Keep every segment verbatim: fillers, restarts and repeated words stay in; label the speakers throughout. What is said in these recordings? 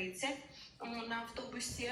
Speaker 1: тридцять на автобусі.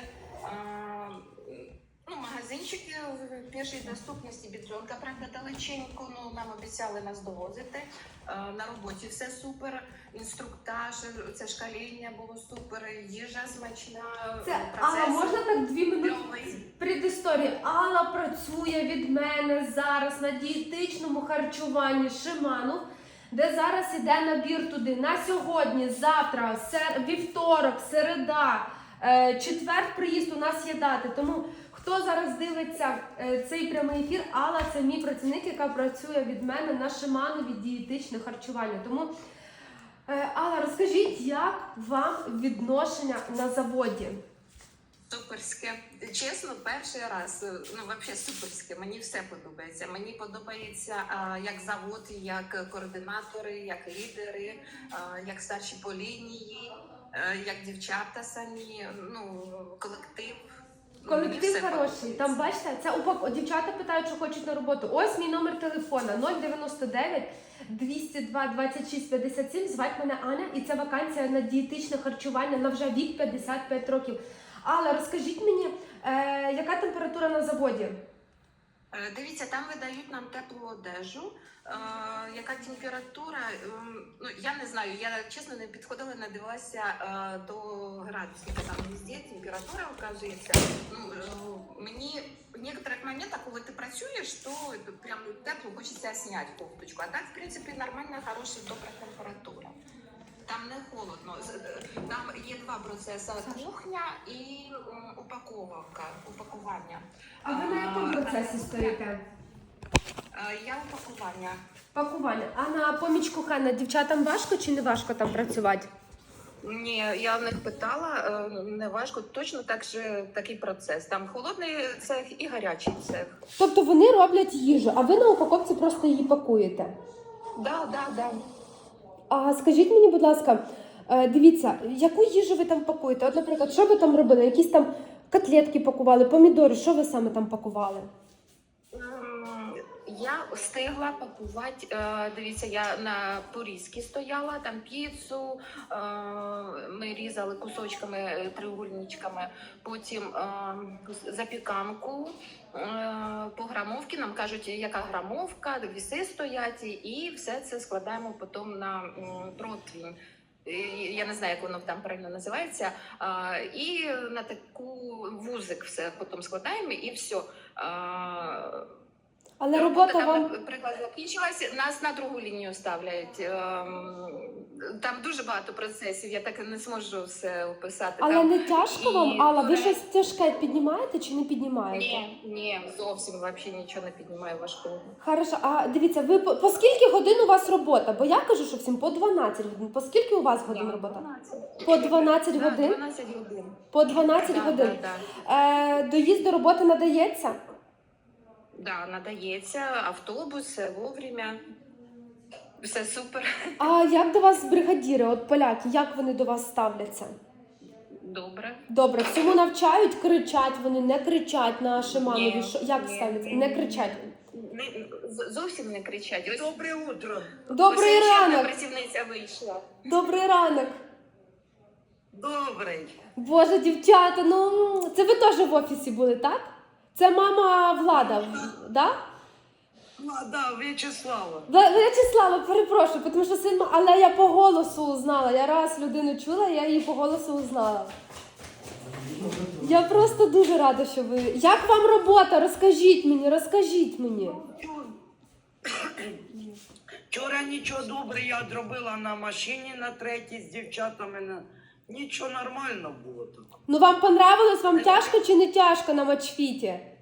Speaker 1: Ну, магазинчики в першій доступності, Бідрюнка, правда, далеченько, ну, нам обіцяли нас довозити. На роботі все супер, інструктаж, це шкаління було супер, їжа смачна,
Speaker 2: Це,
Speaker 1: процес.
Speaker 2: Алла, можна так дві минути
Speaker 1: кльовий.
Speaker 2: предісторії? Алла працює від мене зараз на дієтичному харчуванні Шиманов, де зараз іде набір туди. На сьогодні, завтра, сер... вівторок, середа, е, четвер приїзд у нас є дати. Тому хто зараз дивиться е, цей прямий ефір, Алла це мій працівник, яка працює від мене на Шиманові дієтичне харчування. Тому, е, Алла, розкажіть, як вам відношення на заводі?
Speaker 1: Суперське. Чесно, перший раз, ну, взагалі суперське, мені все подобається. Мені подобається, а, як завод, як координатори, як лідери, а, як старші по лінії, а, як дівчата самі, ну, колектив.
Speaker 2: Колектив хороший. Там, бачите, це упак... дівчата питають, що хочуть на роботу. Ось мій номер телефона нуль дев'яносто дев'ять двісті два двадцять шість п'ятдесят сім. Звать мене Аня, і це вакансія на дієтичне харчування на вже вік п'ятдесят п'ять років. Але розкажіть мені, е, яка температура на заводі?
Speaker 1: Дивіться, там видають нам теплу одежу. Е, яка температура? Е, ну, я не знаю, я чесно не підходила, не дивилася е, до градусів. Там везде температура вказується. Ну, е, мені в некоторых моментах, коли ти працюєш, то прям тепло, хочеться зняти кофточку. А так, в принципі, нормальна, хороша, добра температура. Там не холодно. Там є два процеси: кухня і м, упаковка, упакування.
Speaker 2: А ви на якому процесі стоїте?
Speaker 1: Я упакування.
Speaker 2: Пакування. А на поміч кухарна дівчатам важко чи не важко там працювати?
Speaker 1: Ні, я в них питала, не важко, точно так же такий процес. Там холодний цех і гарячий цех.
Speaker 2: Тобто вони роблять їжу, а ви на упаковці просто її пакуєте?
Speaker 1: Да, да, да.
Speaker 2: А скажіть мені, будь ласка, е, дивіться, яку їжу ви там пакуєте? От, наприклад, що ви там робили? Якісь там котлетки пакували, помідори, що ви саме там пакували?
Speaker 1: М, Я встигла пакувати, е, дивіться, я на порізки стояла, там піцу, е, ми різали кусочками, е, треугольничками, потім е, запіканку, е, по грамовці, нам кажуть, яка грамовка, віси стоять, і все це складаємо потім на м, противень. Е, Я не знаю, як воно там правильно називається. А, і на таку вузик все потім складаємо, і все. А,
Speaker 2: Але
Speaker 1: робота
Speaker 2: робота
Speaker 1: там,
Speaker 2: вам...
Speaker 1: наприклад, закінчилася, нас на другу лінію ставлять. Ем, Там дуже багато процесів, я так і не зможу все описати.
Speaker 2: Але
Speaker 1: Там
Speaker 2: не тяжко
Speaker 1: і
Speaker 2: вам, Алла? Ви
Speaker 1: туре-
Speaker 2: щось тяжке піднімаєте чи не піднімаєте?
Speaker 1: Ні, ні, зовсім взагалі нічого не піднімаю важкого.
Speaker 2: Хорошо, а дивіться, ви по, по скільки годин у вас робота? Бо я кажу, що всім по дванадцять годин. По скільки у вас годин
Speaker 1: Да,
Speaker 2: робота?
Speaker 1: дванадцять.
Speaker 2: По дванадцять
Speaker 1: Да,
Speaker 2: годин?
Speaker 1: дванадцять годин.
Speaker 2: По дванадцять
Speaker 1: Да,
Speaker 2: годин.
Speaker 1: да, да.
Speaker 2: Е, доїзд до роботи надається?
Speaker 1: Да, надається, автобус, все вовремя, все супер,
Speaker 2: А як до вас бригадіри, от поляки, як вони до вас ставляться?
Speaker 1: добре.
Speaker 2: Добре, всьому навчають, кричать вони, не кричать на Шиманові.
Speaker 1: Ні,
Speaker 2: Що, як
Speaker 1: ні,
Speaker 2: ставляться?
Speaker 1: ні,
Speaker 2: Не
Speaker 1: ні.
Speaker 2: кричать.
Speaker 1: Не, з- зовсім не кричать. Ось,
Speaker 3: Доброе утро.
Speaker 2: Добрий
Speaker 1: ось ще одна
Speaker 2: ранок!
Speaker 1: працівниця вийшла.
Speaker 2: Добрий ранок!
Speaker 3: Добрый.
Speaker 2: Боже, дівчата, ну це ви теж в офісі були, так? Це мама Влада, да?
Speaker 3: Ну, да, Вячеслава.
Speaker 2: Вла- Вячеслава, перепрошую, тому що син, ма- але я по голосу узнала. Я раз людину чула, я її по голосу узнала. Я просто дуже рада, що ви. Як вам робота? Розкажіть мені, розкажіть мені.
Speaker 3: Вчора нічого добре я зробила на машині на третій з дівчатами. На... Нічого нормально було тут.
Speaker 2: Ну вам понравилось? Вам тяжко чи не тяжко на матчфіті?